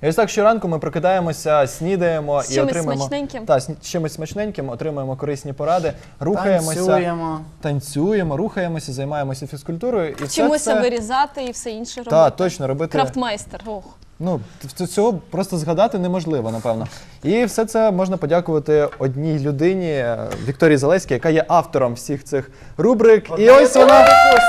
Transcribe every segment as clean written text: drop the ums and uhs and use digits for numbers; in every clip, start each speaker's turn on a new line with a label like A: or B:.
A: І ось так щоранку ми прокидаємо,ся снідаємо
B: З
A: і
B: чимось
A: отримуємо
B: смачненьким.
A: з чимось смачненьким, отримуємо корисні поради, рухаємося, танцюємо, рухаємося, займаємося фізкультурою. І
B: Вчимося вирізати і все інше робити.
A: Так, точно, робити.
B: Крафтмайстер. Ох.
A: Ну, цього просто згадати неможливо, напевно. І все це можна подякувати одній людині, Вікторії Залеській, яка є автором всіх цих рубрик. І ось вона...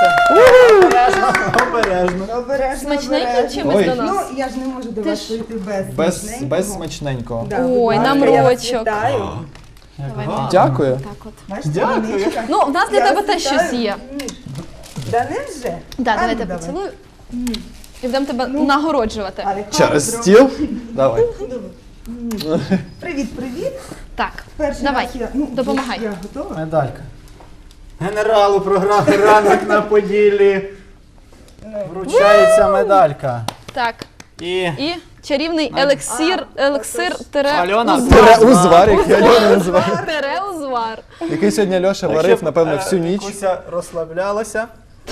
C: Обережно.
B: Смачненьким чимось до нас?
C: Ну, я ж не можу до вас прийти
A: без смачненького.
C: Да,
B: Ой,
C: будь
B: нам
C: ласка, я вас
B: рочок.
C: вітаю.
A: Дякую.
B: Так от.
C: Бачите,
D: Дякую.
C: Вероничка?
B: Ну, в нас для
C: Я
B: тебе
C: вас
B: теж
C: вітаю.
B: щось є.
C: Да невже?
B: Так,
C: А,
B: давайте
C: ну, давай.
B: поцілую. І будемо тебе нагороджувати.
C: Але
A: Через
C: добре.
A: стіл. Давай.
C: Привіт, привіт.
B: Так,
C: Перший
B: давай,
C: раз я, ну,
B: допомагай.
C: Я готова.
D: Медалька. Генералу програми «Ранок на Поділлі» вручається медалька.
B: Так.
D: І
B: чарівний елексир
D: Альона.
A: Узвар, який Альона називає.
B: Тереузвар.
A: Який сьогодні Льоша варив, напевно, всю ніч.
D: Куся розслаблялася.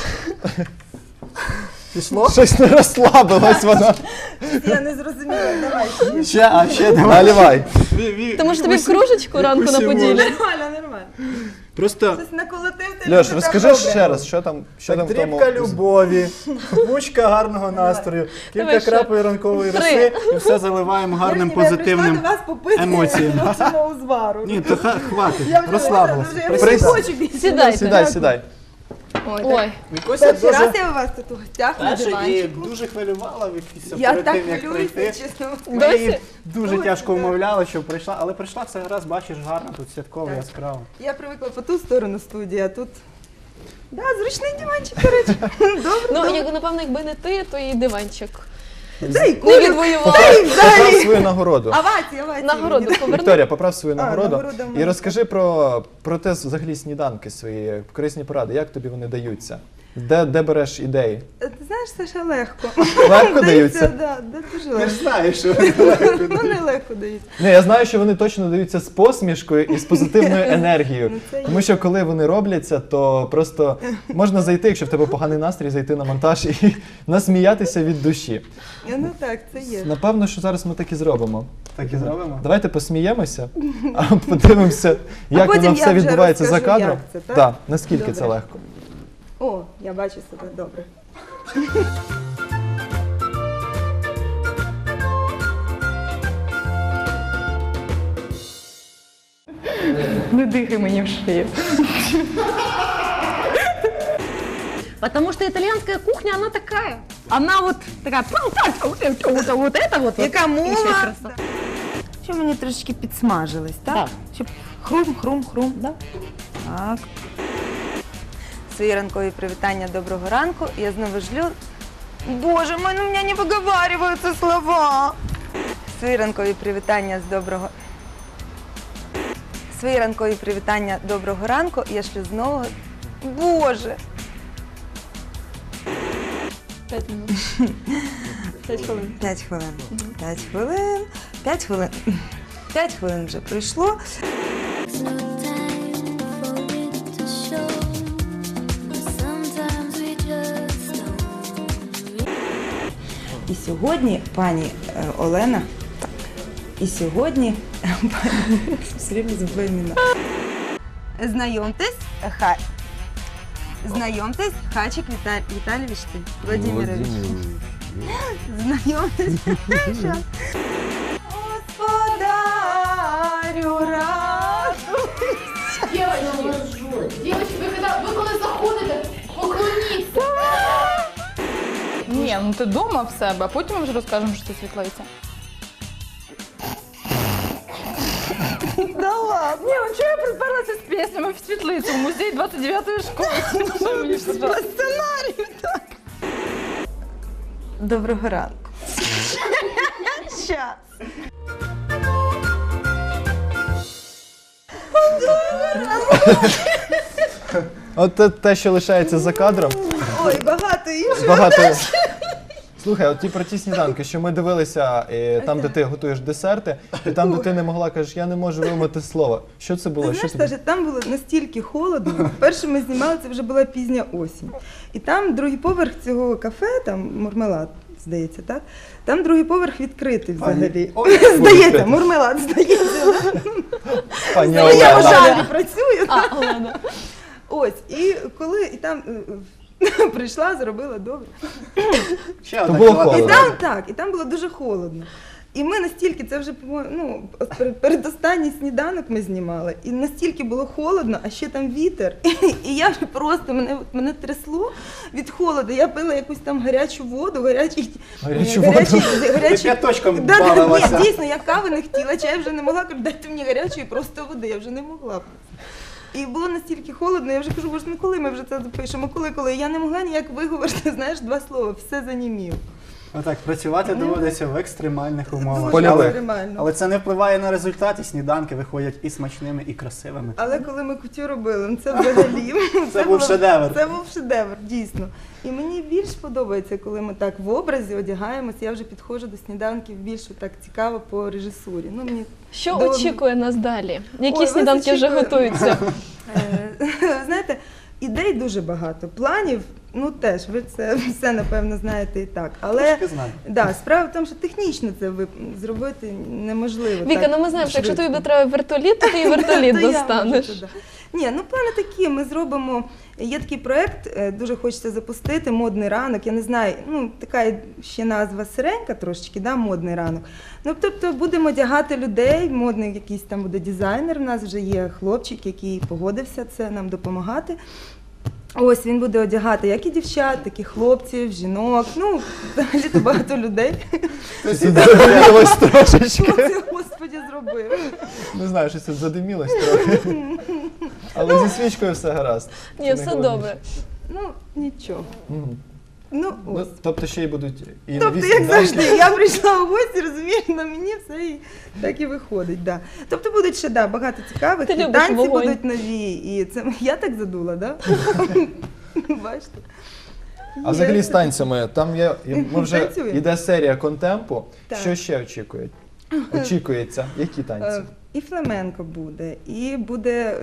D: Пішло?
A: Щось не розслабилось вона.
C: Я не зрозуміла, давай.
D: Ще давай.
A: Наливай.
B: Ти може тобі в кружечку ранку на Поділлі?
C: Нормально, нормально.
D: Просто
C: Щось наколотив ти.
A: Льош, розкажи ще раз, що там в тому...
D: дрібка любові, бучка гарного настрою,
B: Давай
D: кілька
B: ще.
D: крапель ранкової
B: 3.
D: роси і все заливаємо гарним позитивним.
C: Я прийшла до вас попити
D: емоціям.
C: Льошиного узвару.
D: Ні, то хватить,
C: Я вже
D: розслабилася.
C: вже не хочу більше.
B: Сідайте.
A: Сідай, сідай.
B: Ой,
D: Вікуся
C: Перший раз
D: дуже
C: я у вас тут у гостях на
D: перша і
C: диванчику.
D: дуже хвилювала Вікуся
C: Я
D: перед
C: так
D: тим, як
C: хвилююся,
D: прийти.
C: чесно.
D: Ми її
B: Досі?
D: дуже тяжко вмовляли, щоб прийшла, але прийшла все раз, бачиш, гарно, тут святково,
C: Так.
D: яскраво.
C: Я привикла по ту сторону студії, а тут... Да, зручний диванчик, до речі. Добре,
B: ну,
C: добре.
B: напевно, якби не ти, то і диванчик
C: Дай
B: не
C: кулю.
B: відвоював.
A: Поправ свою нагороду.
C: Авація.
B: Нагороду поверни.
A: Вікторія, поправ свою нагороду
C: нагорода в мене.
A: і розкажи про те взагалі сніданки свої, корисні поради, як тобі вони даються? Де береш ідеї?
C: Ти знаєш, Саша, легко.
A: Легко даються?
C: Да, дуже
D: Ти ж
C: легко.
D: знаєш, що
C: Вони легко даються.
A: Ні, я знаю, що вони точно даються з посмішкою і з позитивною енергією.
C: Ну, це є.
A: Тому що коли вони робляться, то просто можна зайти, якщо в тебе поганий настрій, зайти на монтаж і насміятися від душі.
C: Ну так, це є.
A: Напевно, що зараз ми так і зробимо.
D: так і зробимо.
A: Давайте посміємося, а подивимося, як
C: потім
A: воно
C: я
A: все
C: вже
A: відбувається за
C: розкажу,
A: кадром.
C: як це, так?
A: Да, наскільки це
C: Добре.
A: легко.
C: О, я бачу себе, добре.
E: Не дыхай мне в шею. Потому что итальянская кухня, она такая. Она вот такая, вот это вот.
C: Яка
E: И еще
C: мова?
E: красота.
C: Що мені трошечки підсмажилось, так?
E: Так.
C: Щоб хрум-хрум-хрум.
E: Да.
C: Так. Свої ранкові привітання, доброго ранку. Я знову жлю. Боже, у мене не виговарюються слова. Свої ранкові привітання з доброго... Свої ранкові привітання доброго ранку я шлю знову. Боже!
B: 5 минут. 5 хвилин.
C: 5 хвилин. 5 хвилин. 5 хвилин. 5 хвилин вже пройшло.
F: No time for it to show. Sometimes we just don't.
C: І сьогодні пані Олена, і сьогодні пані, все время забуваю імена. Знайомтесь, Хачик Віталійович Владимирович. Знайомтесь. Щас. Господарю радуйся.
G: Девочки, вы коли заходите, поклоніться.
E: Ні, ну ти дома в себе, а потім ми вже розкажемо, що ти світлиця.
C: Да ладно.
E: Ні, ну чого я приперлася з піснями в світлицю, в музей 29-ї школи? Що мені ж
C: По сценарію так. Доброго ранку. Щас.
A: От те, що лишається за кадром,
C: Ой, багато іншого.
A: багато... Слухай, от про ті сніданки, що ми дивилися, там, де ти готуєш десерти, і там, де ти не могла, кажеш, я не можу вимовити слова. Що це було?
C: Ти
A: Що
C: знаєш,
A: це
C: Саша, там було настільки холодно. Перше ми знімали, це вже була пізня осінь. І там другий поверх цього кафе, там мармелад, здається, так? Там другий поверх відкритий взагалі.
D: Ой,
C: Здається, Мурмелад, здається.
A: Пані
C: Я в
A: Олена.
C: жанрі працюю.
B: А, Олена.
C: Ось, і коли і там прийшла, зробила добре.
D: Ще
A: То
D: одна
A: було
D: кілограм.
A: холодно.
C: І там було дуже холодно. І ми настільки, це вже передостанній сніданок ми знімали, і настільки було холодно, а ще там вітер. І я вже просто, мене трясло від холоду. Я пила якусь там гарячу воду,
A: Гарячу воду?
D: Ти п'яточком
C: Да,
D: балилася.
C: ні, дійсно, я кави не хотіла, чаю вже не могла, кажу, дайте мені гарячої просто води, я вже не могла. І було настільки холодно, я вже кажу, боже, ну коли ми вже це запишемо, коли? Я не могла ніяк виговорити, знаєш, два слова, все занімів.
D: Отак, працювати доводиться в екстремальних умовах.
A: Польових.
C: Екстремально.
D: Але це не впливає на результат, і сніданки виходять і смачними, і красивими.
C: Але коли ми кутю робили, ну це взагалі
D: Це був шедевр.
C: Це був шедевр, дійсно. І мені більш подобається, коли ми так в образі одягаємося. Я вже підходжу до сніданків більш так цікаво по режисурі. Ну, мені
B: Що
C: до-
B: очікує нас далі? Які
C: Ой,
B: сніданки
C: вас
B: вже
C: очікує.
B: готуються?
C: Знаєте, ідей дуже багато, планів, ну теж, ви це все, напевно, знаєте і так. Але
D: Трошки знаю.
C: да, справа в тому, що технічно це зробити неможливо.
B: Віка,
C: так
B: ну ми знаємо, що якщо тобі
C: швидко.
B: буде треба вертоліт, то ти і вертоліт
C: То я
B: достанеш.
C: можу туди. Ні, ну плани такі, ми зробимо, є такий проєкт, дуже хочеться запустити, «Модний ранок», я не знаю, ну така ще назва сиренька трошечки, да, «Модний ранок». Ну, тобто будемо одягати людей, модний якийсь там буде дизайнер, у нас вже є хлопчик, який погодився це нам допомагати. Ось він буде одягати як і дівчат, так і хлопців, жінок, ну, взагалі-то багато людей.
A: Задимілось трошечки.
C: Хто це, Господі, зробив?
A: Не знаю, щось тут задимілось трохи. Але зі свічкою все гаразд.
B: Ні,
A: Це
B: все
A: найголовніше.
B: добре.
C: Ну, нічого.
A: Мгм.
C: Ну,
A: Ну,
C: ось.
A: тобто ще й будуть і
C: Тобто,
A: нові
C: як
A: сніданки.
C: завжди, я прийшла у гості, розумієш, на мені все і так і виходить. Да. Тобто будуть ще багато цікавих,
B: Ти
C: і
B: любиш
C: танці
B: вогонь.
C: будуть нові. І це я так задула, да? Бачите?
A: А взагалі з танцями, там є, ми вже
C: Танцюємо.
A: йде серія контемпу.
C: Так.
A: Що ще очікується? Які танці?
C: І фламенко буде, і буде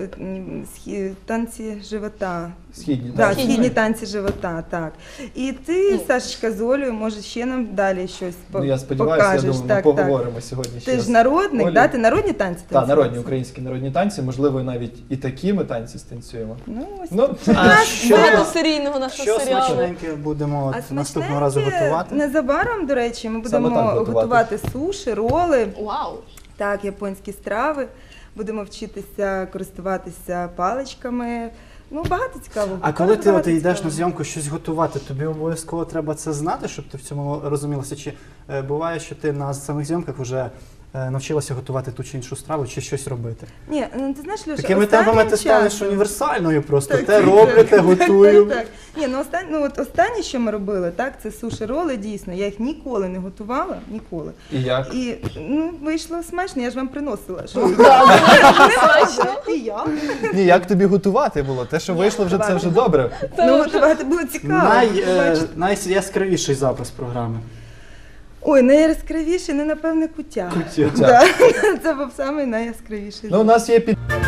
C: танці живота.
A: Східні
C: Да,
A: танці?
C: східні танці живота, так. І ти, Сашечка, з Олею, може ще нам далі щось
A: Ну, я сподіваюся, я
C: покажеш.
A: думаю, ми поговоримо сьогодні ще
C: Ти
A: раз.
C: ж народник,
A: Олі.
C: да? Ти народні танці
A: Так,
C: танцюєш?
A: народні, українські народні танці, можливо, навіть і такі ми танці станцюємо.
C: Ну, ось
A: Ну,
D: що-
B: Багатосерійного нашого
D: Що
B: серіалу.
D: смачненьке будемо
C: А
D: наступного разу
C: смачненьке
D: готувати?
C: незабаром, до речі, ми
A: Саме
C: будемо
A: так готувати.
C: готувати суші, роли,
B: Вау!
C: так, японські страви. Будемо вчитися користуватися паличками. Ну, багато цікавого.
D: А коли ти
C: Багато
D: йдеш
C: цікавого.
D: на зйомку щось готувати, тобі обов'язково треба це знати, щоб ти в цьому розумілася? Чи буває, що ти на самих зйомках вже навчилася готувати ту чи іншу страву, чи щось робити?
C: Ні, ну ти знаєш, Леша,
D: Такими
C: останнім
D: темпами ти станеш
C: часом-
D: універсальною просто.
C: Так,
D: Те
C: так,
D: роблю,
C: так,
D: те
C: так,
D: готую.
C: Так, так. Ні, ну останнє, що ми робили, так, це суші роли, дійсно. Я їх ніколи не готувала, ніколи.
A: і як?
C: І ну, вийшло смачно, я ж вам приносила. Що?
B: Смачно.
C: І я.
A: Ні, як тобі готувати було? Те, що вийшло вже, це вже добре.
C: Ну, готувати було цікаво. бачите.
D: Найяскравіший запис програми.
C: Ой, найяскравіший, ну, напевне, кутя.
A: Кутя.
C: Да. Це був самий найяскравіший.
A: Ну, у нас є під...